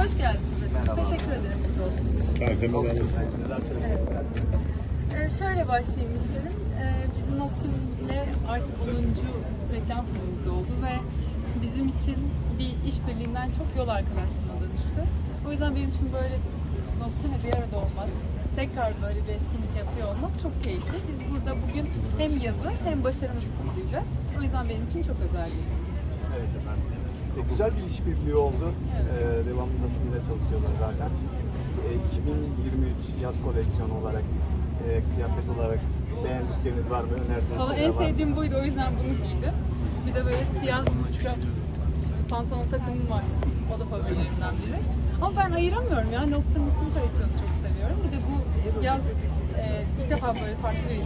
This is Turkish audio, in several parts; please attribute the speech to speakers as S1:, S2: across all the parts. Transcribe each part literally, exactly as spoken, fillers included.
S1: Hoş geldiniz. Merhaba. Teşekkür ederim burada olduğunuz için. Evet. Ee, şöyle başlayayım istedim. Ee, bizim Nocturne ile artık onuncu reklam filmimiz oldu ve bizim için bir işbirliğinden çok yol arkadaşlığına dönüştü. O yüzden benim için böyle Nocturne'le bir arada olmak, tekrar böyle bir etkinlik yapıyor olmak çok keyifli. Biz burada bugün hem yazı hem başarımızı kutlayacağız. O yüzden benim için çok özel bir gün.
S2: Evet efendim. E, güzel bir işbirliği oldu.
S1: Evet.
S2: E, devamında sizinle çalışıyorlar zaten. E, iki bin yirmi üç yaz koleksiyonu olarak, e, kıyafet olarak beğendikleriniz var mı? Önerdiğiniz
S1: Valla
S2: şeyler
S1: en
S2: var mı?
S1: sevdiğim buydu, o yüzden bunu giydim. Bir de böyle siyah krem pantolon takımım var. O da favorilerimden biri. Ama ben ayıramıyorum ya. Nocturne tüm koleksiyonu çok seviyorum. Bir de bu yaz e, ilk defa böyle farklı bir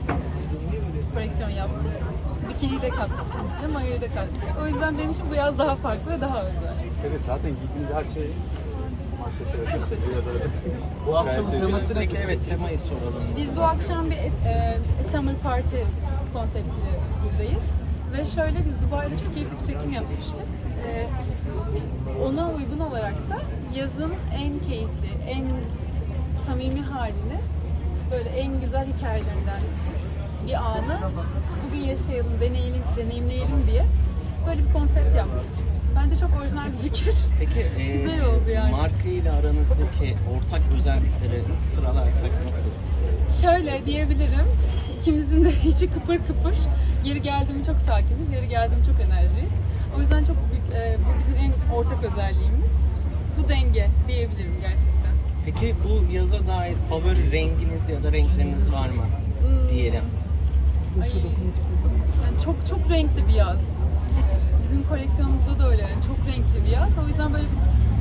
S1: e, koleksiyon yaptık. Bikini de kattık işin içine, mayoyu da kattık. O yüzden benim için bu yaz daha farklı ve daha özel.
S2: Evet, zaten giydiğiniz her şey manşetlere taşıyor.
S3: Bu akşamın teması ne ki? Evet, temayı soralım.
S1: Biz bu akşam bir e, Summer Party konseptiyle buradayız. Ve şöyle, biz Dubai'de çok keyifli bir çekim yapmıştık. E, ona uygun olarak da yazın en keyifli, en samimi halini, böyle en güzel hikayelerinden bir anı bugün yaşayalım, deneyelim, deneyimleyelim diye böyle bir konsept yaptık. Bence çok orijinal bir fikir.
S3: Peki, e,
S1: Güzel oldu yani.
S3: marka ile aranızdaki ortak özellikleri sıralarsak nasıl?
S1: Şöyle diyebilirim, ikimizin de içi kıpır kıpır. Yeri geldiğimi çok sakiniz, yeri geldiğimi çok enerjiyiz. O yüzden çok büyük, e, bu bizim en ortak özelliğimiz. Bu denge diyebilirim gerçekten.
S3: Peki bu yaza dair favori renginiz ya da renkleriniz var mı?
S1: Hmm.
S3: Diyelim.
S1: Ay, yani çok çok renkli bir yaz. Bizim koleksiyonumuzda da öyle, yani çok renkli bir yaz. O yüzden böyle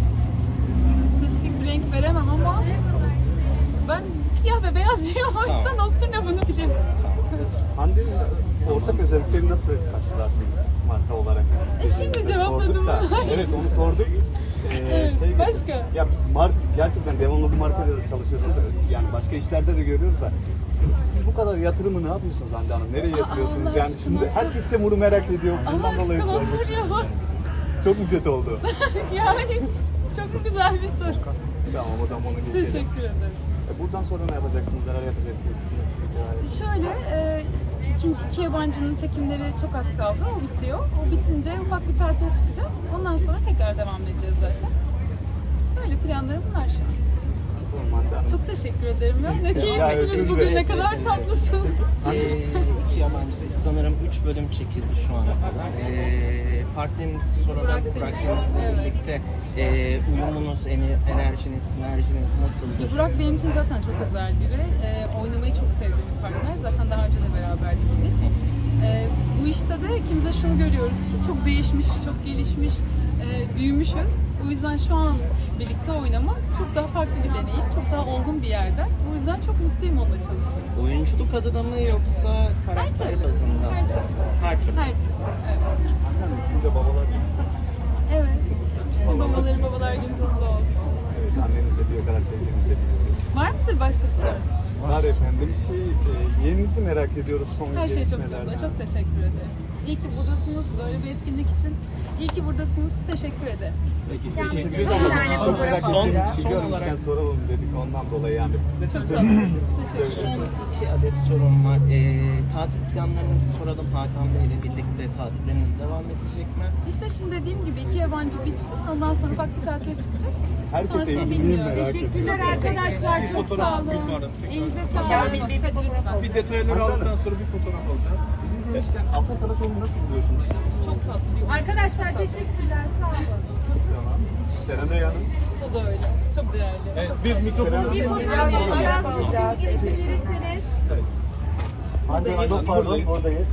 S1: bir spesifik bir renk veremem ama ben siyah ve beyazcıyım. O yüzden
S3: Tamam.
S1: Nocturne bunu bilir.
S3: Tamam.
S2: Hande'nin ortak özellikleri nasıl karşılarsınız marka olarak?
S1: E, şimdi cevapladım.
S2: Sorduk da, evet, onu sorduk. Ee, şey,
S1: Başka?
S2: Ya biz mark, gerçekten devamlı bu markayla da çalışıyorsunuz. Yani başka işlerde de görüyoruz da. Siz bu kadar yatırımı ne yapıyorsunuz Hande Hanım? Nereye
S1: Aa,
S2: yatırıyorsunuz?
S1: Allah
S2: Yani
S1: aşkına
S2: şimdi
S1: sor.
S2: herkes de bunu merak ediyor.
S1: Allah
S2: Bundan dolayı
S1: aşkına
S2: sorduk.
S1: soruyorlar.
S2: Çok mu kötü oldu?
S1: Yani çok güzel bir soru.
S2: Tamam, o zaman onu geçelim.
S1: Teşekkür ederim.
S2: E, Buradan sonra ne yapacaksınız? Neler yapacaksınız? Nasıl bir hikaye?
S1: Şöyle, e, ikinci iki yabancının çekimleri çok az kaldı. O bitiyor. O bitince ufak bir tatile çıkacağım. Ondan sonra tekrar devam edeceğiz zaten. Böyle planlarım bunlar şu an.
S2: Tamam, Hande Hanım.
S1: Çok teşekkür ederim ya. Ne
S2: Ya,
S1: keyiflisiniz
S2: özür
S1: bugün, ne
S2: dilerim.
S1: kadar tatlısınız.
S3: Ee, iki yabancı dizi sanırım üç bölüm çekildi şu ana kadar. Ee, partnerinizi soralım.
S1: Burak
S3: Burak
S1: Deniz.
S3: Deniz'le
S1: Evet.
S3: birlikte e, uyumunuz, ene- enerjiniz, sinerjiniz nasıldır?
S1: Burak benim için zaten çok özel biri. E, oynamayı çok sevdiğim bir partner. Zaten daha önce de beraberdik biz. E, bu işte de ikimiz de şunu görüyoruz ki çok değişmiş, çok gelişmiş, e, büyümüşüz. O yüzden şu an birlikte oynamak çok daha farklı bir deneyim, çok daha olgun bir yerde. O yüzden çok mutluyum onunla çalıştığım için.
S3: Oyunculuk adına mı yoksa karakter
S1: türlü.
S3: bazında?
S1: Her türlü.
S3: Her türlü.
S1: Her türlü, evet.
S2: Hande Hanım, şimdi babalar
S1: Evet. Tüm babaların babalar günü kutlu olsun.
S2: evet, annenize bir o kadar sevdiğinizi biliyoruz.
S1: Var mıdır başka bir sorunuz?
S2: Var efendim. Şey, e, yeğeninizi merak ediyoruz son
S1: Her şey çok
S2: gelişmelerden.
S1: yolunda. Çok teşekkür ederim. İyi ki buradasınız. Böyle bir etkinlik için. İyi ki buradasınız. Teşekkür ederim.
S2: Peki, teşekkür ederim. Çok merak
S3: Son-
S2: ettiğimiz
S3: son
S2: için görmüşken
S3: olarak-
S2: soralım dedik ondan dolayı yani.
S1: Çok tatlısınız. Teşekkür
S3: Son
S1: ederim.
S3: iki adet sorum var. Ee, tatil planlarınızı soralım. Hakan Bey ile birlikte tatilleriniz devam edecek mi?
S1: İşte şimdi dediğim gibi iki yabancı bitsin. Ondan sonra ufak bir tatile çıkacağız.
S2: Herkes
S1: Sonrasını
S2: evliliği
S1: bilmiyorum.
S2: merak
S1: Teşekkürler
S2: ediyor.
S1: arkadaşlar. Çok sağ olun. Elinize sağlık. Hadi lütfen.
S4: Bir detayları aldıktan sonra bir fotoğraf alacağız.
S2: Siz demişken Afra Saraçoğlu'nu nasıl buluyorsunuz?
S1: Çok tatlı bir oyun.
S5: Arkadaşlar teşekkürler, sağ olun.
S2: Tamam. Serenay Hanım.
S1: O da öyle. Çok değerli.
S4: Evet, bir mikrofonu
S5: Bir fotoğraf alacağız. Geçebilirsiniz.
S2: Hande Hanım, pardon, oradayız.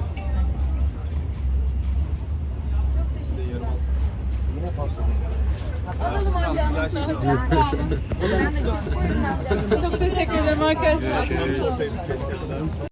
S2: Yine patladı.
S1: Alalım hadi anlatın. Sağ olun. Çok teşekkür ederim arkadaşlar.
S2: Keşke olsaydı, keşke kadar.